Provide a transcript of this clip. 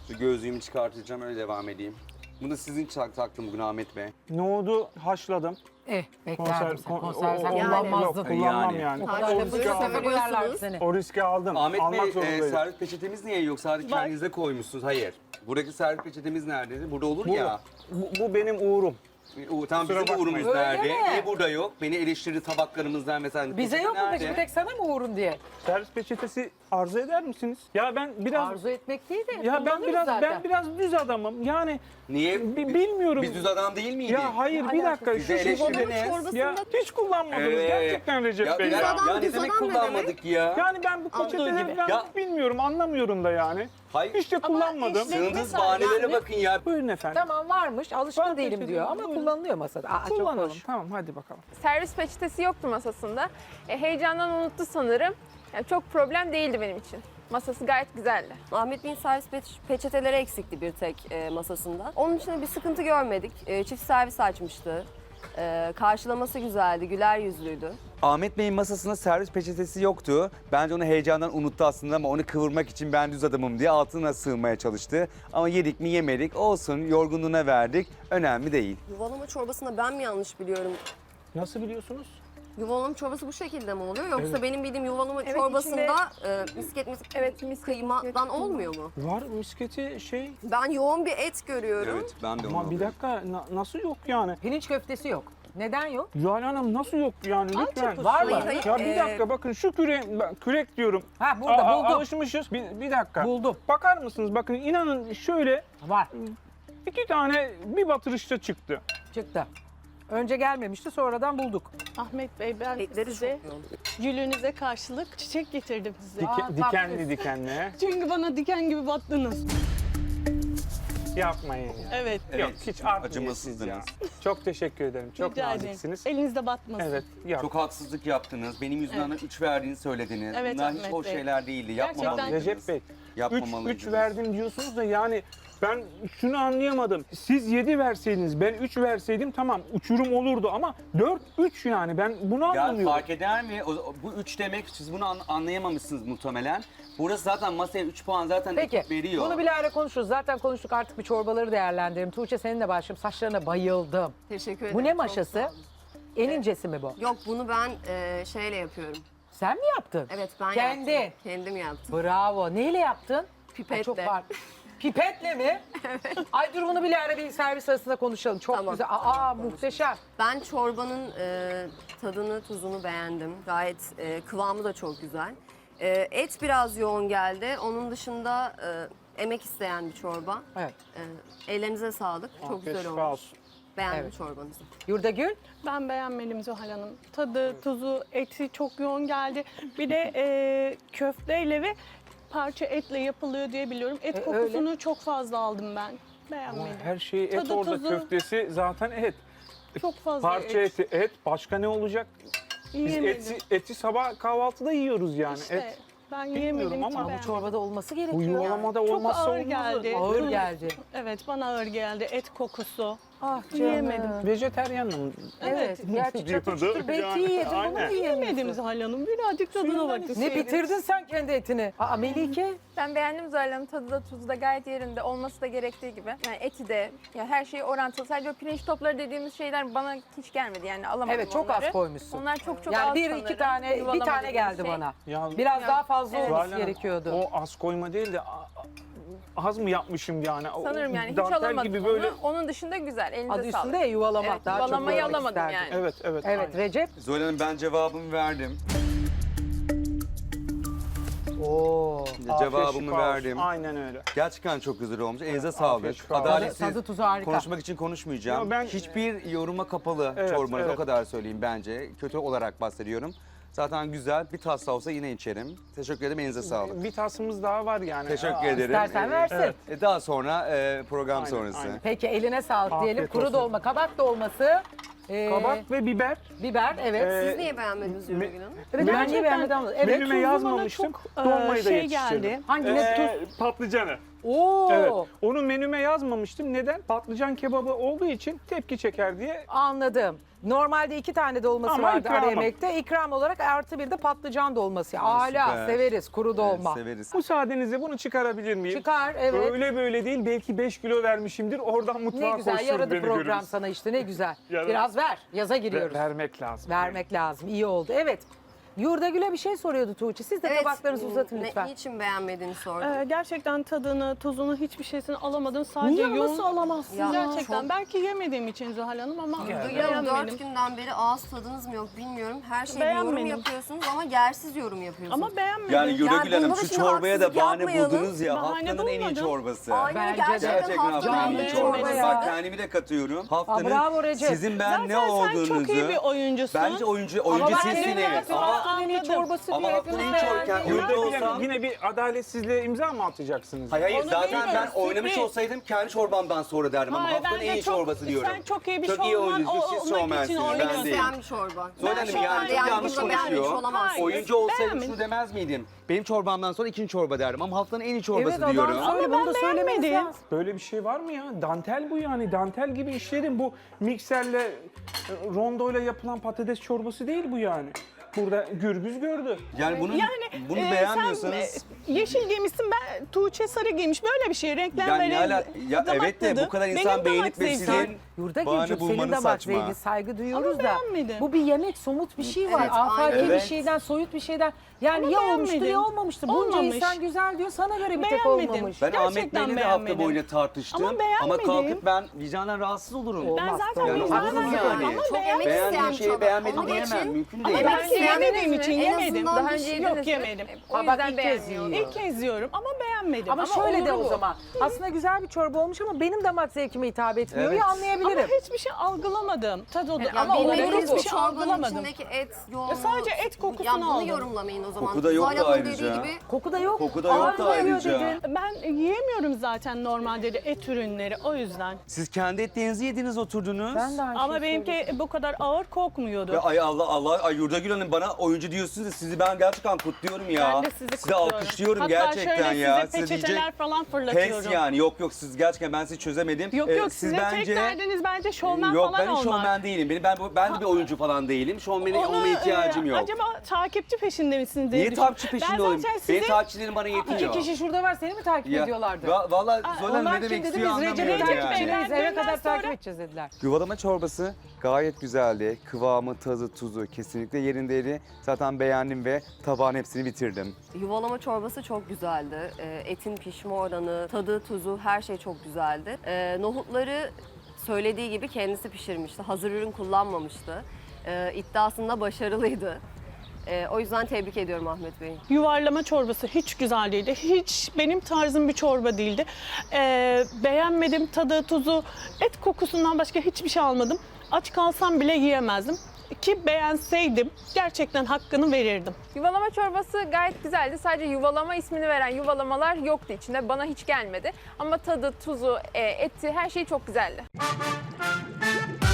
Şu gözlüğümü çıkartacağım öyle devam edeyim. Bunu sizin taktım bugün Ahmet Bey. Nohudu haşladım. Beklerdim sen. o- Konserve o- kullanmazdın. Yok, kullanmam Yani. yani. O kadar da riski böyle aldım. sefer uyarlardı seni. O riski aldım. Ahmet Almak Bey zorundaydım. servis peçetemiz niye yok? Sadece kendinize koymuşsunuz. Hayır. Buradaki servis peçetemiz neredeydi? Burada olur Bu, ya. bu benim uğurum. Tam Kusura bizim bakmayın. uğrumuz Öyle nerede? mi? Niye burada yok? Beni eleştirdi tabaklarımızdan mesela. Bize yok mu peki? Nerede? Bir tek sana mı uğrun diye? Servis peçetesi arzu eder misiniz? Ya ben biraz Arzu etmek değil de ya ben kullanırız biraz zaten. düz adamım. Yani Niye? bilmiyorum. Biz düz adam değil miydik? Ya hayır bir dakika Bizi eleştirdiniz. ya hiç kullanmadınız gerçekten Recep Bey. Ya, Ya, ya ne demek kullanmadık ya? yani ben bu peçeteleri falan Ya- bilmiyorum, anlamıyorum da yani. Hayır. Hiç de kullanmadım. Sığındığınız bahanelere bakın ya. Buyurun efendim. Tamam varmış. Alışkın Var değilim peçete, diyor ama buyurun. kullanılıyor masada. Çok Kullanalım. kullanılıyor. Tamam hadi bakalım. Servis peçetesi yoktu masasında. Heyecandan unuttu sanırım. Yani çok problem değildi benim için. Masası gayet güzeldi. Ahmet Bey'in servis peçeteleri eksikti bir tek masasında. Onun için de bir sıkıntı görmedik. Çift servis açmıştı. Karşılaması güzeldi, güler yüzlüydü. Ahmet Bey'in masasında servis peçetesi yoktu. Bence onu heyecandan unuttu aslında ama onu kıvırmak için ben düz adamım diye altına sığmaya çalıştı. Ama yedik mi yemedik olsun, yorgunluğuna verdik. Önemli değil. Yuvalama çorbasında ben mi yanlış biliyorum? Nasıl biliyorsunuz? Yuvalama çorbası bu şekilde mi oluyor? Yoksa Evet. benim bildiğim yuvalama Evet, çorbasında misket Evet, misket kıymadan olmuyor mu? Var misketi şey Ben yoğun bir et görüyorum. Evet ben de onu ama bir dakika nasıl yok yani? Pirinç köftesi yok. Neden yok? Zuhal Hanım nasıl yok yani lütfen. Var mı? Hayır, Ya bir dakika bakın şu kürek diyorum. Ha burada buldum. Alışmışız. Bir dakika. Buldum. Bakar mısınız? Bakın inanın şöyle Var. 2 tane bir batırışta çıktı. Çıktı. Önce gelmemişti sonradan bulduk. Ahmet Bey ben Etleri size çok yoğun. gülünüze karşılık çiçek getirdim size. Dikenli dikenli. Çünkü bana diken gibi battınız. Yapmayın ya. Evet. Yok hiç art acımasızdınız. ya. Çok teşekkür ederim. Çok Rica ederim. naziksiniz. Elinizde batmasın. Evet. Yok. Çok haksızlık yaptınız. Benim yüzümden 3 verdiğini söylediniz. Evet, Bunlar hiç Ahmet hoş Bey. şeyler değildi. Gerçekten- Yapmamalıydınız. Recep Bey. 3 Yapmamalıydınız. verdim diyorsunuz da yani ben şunu anlayamadım. Siz 7 verseydiniz ben 3 verseydim tamam uçurum olurdu ama 4-3 yani ben bunu Ya anlamıyorum. fark eder mi? Bu 3 demek siz bunu anlayamamışsınız muhtemelen. Burası zaten masaya 3 puan zaten Peki ekip veriyor. bunu bilahare konuşuruz. Zaten konuştuk artık bir çorbaları değerlendirelim. Tuğçe seninle başlayayım. Saçlarına bayıldım. Teşekkür ederim. Bu ne çok maşası? sağ olun. En incesi mi bu? Yok bunu ben şeyle yapıyorum. Sen mi yaptın? Evet ben Kendi. yaptım. Kendim yaptım. Bravo. Neyle yaptın? Pipetle. Ay, çok var. Pipetle mi? Evet. Ay dur bunu bilahare bir servis arasında konuşalım. Çok Tamam, güzel. tamam, Muhteşem. Ben çorbanın tadını, tuzunu beğendim. Gayet kıvamı da çok güzel. Et biraz yoğun geldi. Onun dışında emek isteyen bir çorba. Evet. Ellerinize sağlık. Çok Afiyet güzel şifa olmuş. olsun. Beğendim Evet. çorbanızı. Yurdagül. Ben beğenmedim Zuhal Hanım. Tadı, tuzu, eti çok yoğun geldi. Bir de köfteyle ve parça etle yapılıyor diye biliyorum. Et kokusunu çok fazla aldım ben. Ama Beğenmedim. her şey et Tadı, orada tuzu. köftesi zaten et. Çok fazla Parça et. eti et başka ne olacak? Biz Yiyemedim. eti sabah kahvaltıda yiyoruz yani İşte, et. ben Bilmiyorum yiyemedim. ama hiç bu Bu beğenmedim. çorbada olması Bu gerekiyor. yuvalamada Çok olmazsa ağır olmaz. geldi. Ağır Tuz- geldi. Evet bana ağır geldi. Et kokusu. Ah Yiyemedim. Vejeteryanım. Evet. Gerçi çatır çatır beyti yedim. Bunu Aynen. mu Yemedim yiyemiyorsun? Zuhal Hanım. Birazcık tadına Suyundan bakın. Ne bitirdin sen kendi etini? Aa Melike. Ben beğendim Zuhal Hanım. Tadı da tuzu da gayet yerinde. Olması da gerektiği gibi. Yani eti de, ya her şey orantılı. Sadece o pirinç topları dediğimiz şeyler bana hiç gelmedi. Yani alamadım Evet çok onları. az koymuşsun. Onlar çok çok Yani az bir sanırım. iki tane, bir Yuvalama tane dediğimiz geldi şey. bana. Ya, Biraz Ya, daha fazla evet. olması Zuhal Hanım, gerekiyordu. o az koyma değil de az mı yapmışım yani? O Sanırım yani hiç dantel alamadım gibi böyle. onu. Onun dışında güzel. Elinize Adı sağlık. üstünde ya yuvalama. Evet, Daha çok yuvalamayı görmek alamadım isterdim. yani. Evet evet. Evet aynen. Recep. Zuhal Hanım ben cevabımı verdim. Oo. Afiyet Cevabımı şifa olsun. verdim. Aynen öyle. Gerçekten çok güzel olmuş. Elinize afiyet sağlık. şifa olsun. Adaletsiz. Tadı tuzu harika. Konuşmak için konuşmayacağım. Ya ben- Hiçbir yoruma kapalı Evet, çorbanız evet. o kadar söyleyeyim bence. Kötü olarak bahsediyorum. Zaten güzel bir tas da olsa yine içerim. Teşekkür ederim. Elinize sağlık. Bir tasımız daha var yani. Teşekkür ederim. İstersen versin. evet. Daha sonra program Aynen, sonrası. aynen. Peki eline sağlık Afiyet diyelim. Kuru olsun. dolma, kabak dolması. Kabak ve biber. Biber evet. Siz niye beğenmediniz Yürgün Hanım? Evet ben niye Gerçekten beğenmedim? Evet. Menüme tuzu bana yazmamıştım. çok, Dolmayı da şey yetiştirdim. geldi. Hangine tuz? Patlıcanı. Oo. Evet. Onu menüme yazmamıştım. Neden? Patlıcan kebabı olduğu için tepki çeker diye. Anladım. Normalde 2 tane dolması Ama vardı ara ikramım. yemekte. İkram olarak artı bir de patlıcan dolması. Hala süper. severiz kuru dolma. Evet, severiz. Müsaadenizle bunu çıkarabilir miyim? Çıkar, evet. Öyle böyle değil. Belki 5 kilo vermişimdir. Oradan mutfağa Ne güzel koşturur yaradı beni program görürüz. sana işte ne güzel. Yaradı. Biraz ver. Yaza giriyoruz. Vermek lazım. Vermek lazım. İyi oldu. Evet. Yurdagül'e bir şey soruyordu Tuğçe. Siz de tabaklarınızı uzatın lütfen. Niçin beğenmediğini sordum. Gerçekten tadını, tuzunu, hiçbir şeysini alamadım. Sadece Niye yoğun. nasıl alamazsın? Ya, Gerçekten. çok- Belki yemediğim için Zuhal Hanım ama Duyuyorum beğenmedim. 4 günden beri ağız tadınız mı yok bilmiyorum. Her şeyde yorum Beğenmedim. yapıyorsunuz ama yersiz yorum yapıyorsunuz. Ama beğenmedim. Yani Yurdagül Hanım bunda da şu şimdi çorbaya da haksızlık bahane yapmayalım. buldunuz ya. Bahane Haftanın en iyi bulmadım. çorbası. Aynen Bence de. gerçekten, Gerçekten haftanın en iyi beğenmedim. çorbası. Ya. Bak kendimi de katıyorum. Haftanın bravo Recep. sizin ben Zaten ne sen olduğunuzu. çok iyi bir oyuncusun. Bence oyuncu Ama ben sizsiniz. dinliyorum. Ama Haftanın en iyi çorbası Ama diye haftanın hepimiz en iyi çorbası. beğendik. Oyuncu Yurdagül Hanım, olsam. yine bir adaletsizliğe imza mı atacaksınız? Hayır Onu zaten ben bilmiyorum, oynamış sürpriz. olsaydım kendi çorbamdan sonra derdim ama Hayır, haftanın bence en iyi çok- çorbası diyorum. sen çok iyi bir Çok iyi şovman oyuncusunuz, siz olmak için şovmensiniz, ben oynuyorsun. değilim. İsteyen bir çorba. Zoran Hanım Ben yani çok yani yanlış burada beğenmiş konuşuyor. olamazsınız. Hayır, Oyuncu olsaydım beğenmedim. şunu demez miydim? Benim çorbamdan sonra ikinci çorba derdim ama haftanın en iyi çorbası Evet adam diyorum. söyle bunu da söylemeniz beğenmedim. lazım. Böyle bir şey var mı ya? Dantel bu yani. Dantel gibi işlerin bu mikserle, rondoyla yapılan patates çorbası değil bu yani. Burada gürbüz gördü. Yani bunu Sen beğenmiyorsanız yeşil giymişsin, ben Tuğçe sarı giymiş. Böyle bir şey. yani Renklenme, ne ala- ya damak evet de tadı. bu kadar Benim insan damak beğenip ve zevkim. sizin bahane Yurdagül'cüm senin bulmanız damak saçma. zevki saygı duyuyoruz Ama da. beğenmedim. Bu bir yemek somut bir şey var. Evet, Afaki aynen. bir Evet. şeyden soyut bir şeyden. Yani Ama ya olmuştur beğenmedim. ya olmamıştır. Bunca Olmamış. insan güzel diyor sana göre bir tek Beğenmedim. olmamış. Ben Ahmet Gerçekten Bey'le de hafta beğenmedim. boyunca tartıştım. Ama beğenmedim. kalkıp ben vicdanen rahatsız olurum. Ben Olmaz. zaten Yani vicdanen haksız yapıyorum yani. ama Çok beğenmedim. emek isteyen Beğendiğim bir şeyi çorba. beğenmedim Onun diyemem. için- Mümkün Ama değil. ben Ben yemediğim için En yemedim. azından Daha bir önce şey- yediniz Yok mi? yemedim. O Ha, bak yüzden ilk kez yiyor. beğenmiyorum. İlk kez yiyorum ama beğenmedim. Ama şöyle de olur o bu. zaman. Aslında güzel bir çorba olmuş ama benim damak zevkime hitap etmiyor Evet. ya Ama anlayabilirim. hiçbir şey algılamadım. Tadı Ya ama bilmediğiniz olarak hiçbir bir şey çorbanın algılamadım. içindeki et yoğunluğu. sadece et kokusunu Ya bunu aldım. yorumlamayın o zaman. Koku da yoktu Zuhal Hanım'ın ayrıca. dediği gibi Koku da yok. Koku da yoktu Ağır geliyor ayrıca. dedin. Ben yiyemiyorum zaten normalde de et ürünleri o yüzden. Siz kendi etlerinizi yediniz oturdunuz. Ben de aynı Ama şeyi benimki söyleyeceğim. bu kadar ağır kokmuyordu. Ve ay Allah ay Yurdagül Hanım bana oyuncu diyorsunuz da sizi ben gerçekten kutluyorum ya. Ben de sizi kutluyorum. alkışlıyorum Hatta gerçekten şöyle ya. size peçeteler diyecek falan fırlatıyorum. pes yani yok siz gerçekten ben sizi çözemedim. Yok Siz sizin tek derdiniz bence şovmen Yok falan ben olmak. hiç şovmen değilim. Ben de bir oyuncu falan değilim. Şovmene Onu, olmaya ihtiyacım yok. Acaba takipçi peşinde misiniz diye Niye düşündüm. takipçi peşinde Ben olayım? zaten Benim sizi takipçilerim bana yetiyor. İki kişi şurada var seni mi takip ediyorlardı? Valla Zola Onlar ne demek kim dedi istiyor biz Recep'i anlamıyorum yani. takipçileyiz eve Benden kadar sonra- takip edeceğiz dediler. Yuvalama çorbası gayet güzeldi. Kıvamı, tadı, tuzu kesinlikle yerindeydi. Zaten beğendim ve tabağın hepsini bitirdim. yuvalama çorbası çok güzeldi. Etin pişme oranı, tadı, tuzu her şey çok güzeldi. Nohutları söylediği gibi kendisi pişirmişti. Hazır ürün kullanmamıştı. İddiasında başarılıydı. O yüzden tebrik ediyorum Ahmet Bey'i. Yuvarlama çorbası hiç güzel değildi. Hiç benim tarzım bir çorba değildi. Beğenmedim tadı, tuzu, et kokusundan başka hiçbir şey almadım. Aç kalsam bile yiyemezdim. Ki beğenseydim gerçekten hakkını verirdim. Yuvalama çorbası gayet güzeldi. Sadece yuvalama ismini veren yuvalamalar yoktu içinde. Bana hiç gelmedi. Ama tadı, tuzu, eti her şey çok güzeldi.